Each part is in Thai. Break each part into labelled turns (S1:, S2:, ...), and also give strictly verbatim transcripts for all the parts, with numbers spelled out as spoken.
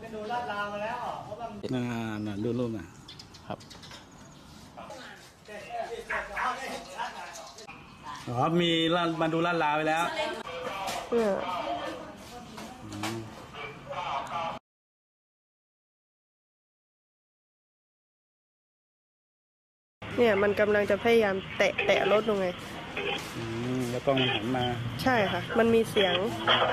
S1: ดูลาดราวมาแล้วเพราะว่า
S2: น่าน่าดูรูปนะครับอ๋อมีลาดมาดูลาดราวไปแล้ว
S3: เนี่ยเนี่ยมันกำลังจะพยายามแตะแตะรถลงไง
S2: อืมแล้วกล้องมันหันมา
S3: ใช่ค่ะมันมีเสียง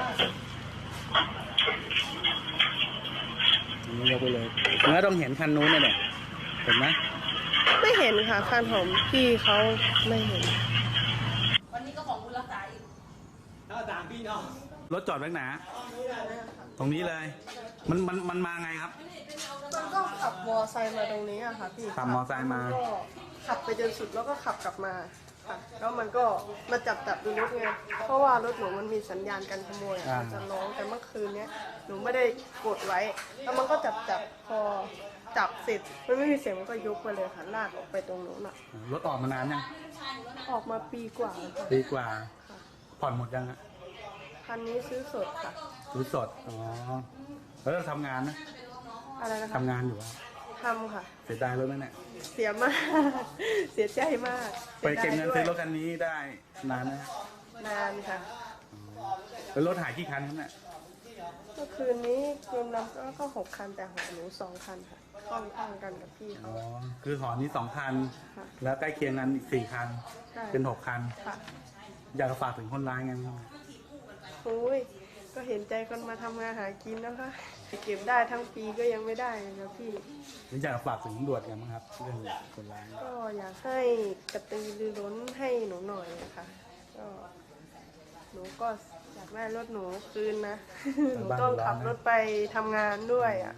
S2: อันนี้ยกไปเลยแล้วต้องเห็นคันนู้นเนี่ยเห็นไหม
S3: ไม่เห็นค่ะคันของพี่เขาไม่เห็น
S4: วันนี้ก็ของคุณรักษาอีก
S1: ถ้าต่างพี่น้อง
S2: รถจอดไว้ไหนตรงนี้เลยมันมันมันมาไงครับ
S3: มันก็ขับมอไซค์มาตรงนี้อะค่ะพี่
S2: ขับมอไซค์มา
S3: ก็ขับไปจนสุดแล้วก็ขับกลับมาค่ะแล้วมันก็มาจับจับดูรถไงเพราะว่ารถหนูมันมีสัญญาณการขโมยมันจะร้องแต่เมื่อคืนเนี้ยหนูไม่ได้กดไว้แล้วมันก็จับจับพอจับเสร็จมันไม่มีเสียงมันก็ยกไปเลยค่ะลากออกไปตรงโน้นอ่ะ
S2: รถออกมานานยัง
S3: ออกมาปีกว่าแล้วค่ะ
S2: ปีกว่าผ่อนหมดยังอะ
S3: คันนี้ซื้อสดค่ะ
S2: ซื้อสดอ๋อแล้วเราทำงานนะ
S3: อะไรนะคะ
S2: ทำงานอยู่ครับ
S3: ทำค่ะ
S2: เสียดายรถไหมเนี่ย
S3: เสียมากเสียใจมาก
S2: ไปเก็บเงินซื้อรถคันนี้ได้นานนะ
S3: นานค่ะ
S2: แล้วรถหายกี่คันครับเนี่ย
S3: เมื่อคืนนี้รวมแล้วก็หกคันแต่หอหนูสองคันค่ะข้องข้องกันกับพี่เขา
S2: อ๋อคือหอนี้สองคันแล้วใกล้เคียงกันอีกสี่คันเป็นหกคันอยากฝากถึงคนร้ายไงบ้าง
S3: โอ้ยก็เห็นใจคนมาทำงานหากินนะคะเก็บได้ทั้งปีก็ยังไม่ได้นะพี่
S2: อยากฝากถึงตำรวจกันบ้างครับเรื่องคนร้าย
S3: ก็อยากให้กระตือรือร้นให้หนูหน่อยนะคะก็หนูก็อยากได้รถหนูคืนนะหนูต้องขับรถไปทำงานด้วยอ่ะ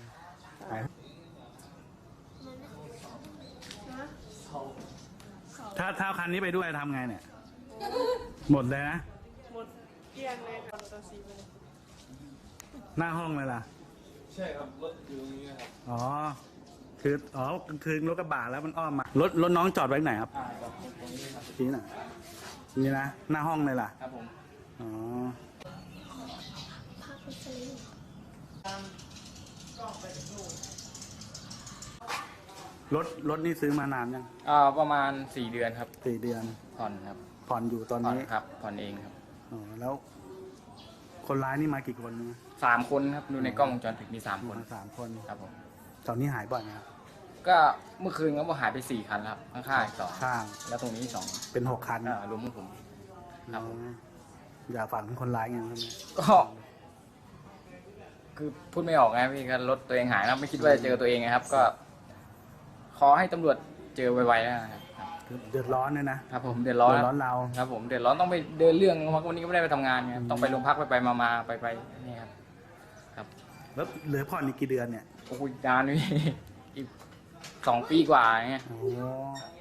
S2: ถ้าถ้าคันนี้ไปด้วยทำไงเนี่ยหมดเลยนะ
S3: หมดเกลี้ยงเลยค่ะตัวซีไปเลย
S2: หน้าห้องเลยล่ะ
S1: ใช่ครับรถอยู่ตรงนี้ครับ
S2: อ๋อคืออ๋อคือรถกระบะแล้วมันอ้อมมารถรถน้องจอดไว้ไหนครับที่ไหนนี่นะหน้าห้องเลยล่ะ
S1: ครับผม
S2: อ๋อรถรถนี่ซื้อมานานยัง
S1: อ่าประมาณสี่เดือนครับ
S2: สี่เดือน
S1: ผ่อนครับ
S2: ผ่อนอยู่ตอนนี้
S1: ครับผ่อนเองครับ
S2: อ๋อแล้วคนร้ายนี่มากี่คนนะ
S1: สามคนครับดูในกล้องวงจรปิดมีสามคน
S2: สามคน
S1: ครับผม
S2: ตอนนี้หายบ่อยนะครับ
S1: ก็เมื่อคืนก็หายไปสี่คันครับข้างๆสอง
S2: ข้าง
S1: แล้วตรงนี้สอง
S2: เป็นหกคัน
S1: อ่ารวมพวกผม
S2: ครับอย่าฝันถึงคนร้ายไงครับ
S1: ก็คือพูดไม่ออกไงพี่ก็รถตัวเองหายนะไม่คิดว่าจะเจอตัวเองไงครับ ก็ขอให้ตำรวจเจอไวๆนะครับ
S2: เดือดร้อนเลยนะครับ
S1: ผมเดือดร้อน
S2: เดือดร้อนเรา
S1: ครับผมเดือดร้อนต้องไปเดินเรื่องเพราะวันนี้ก็ไม่ได้ไปทำงานไงต้องไปโรงพักไปไปมาๆไปไปนี่ครับครับ
S2: แล้วเหลือผ่อนอีกกี่เดือนเนี่ย
S1: โอ้ยนานพี่อีกสองปีกว่าเงี้ย
S2: โอ้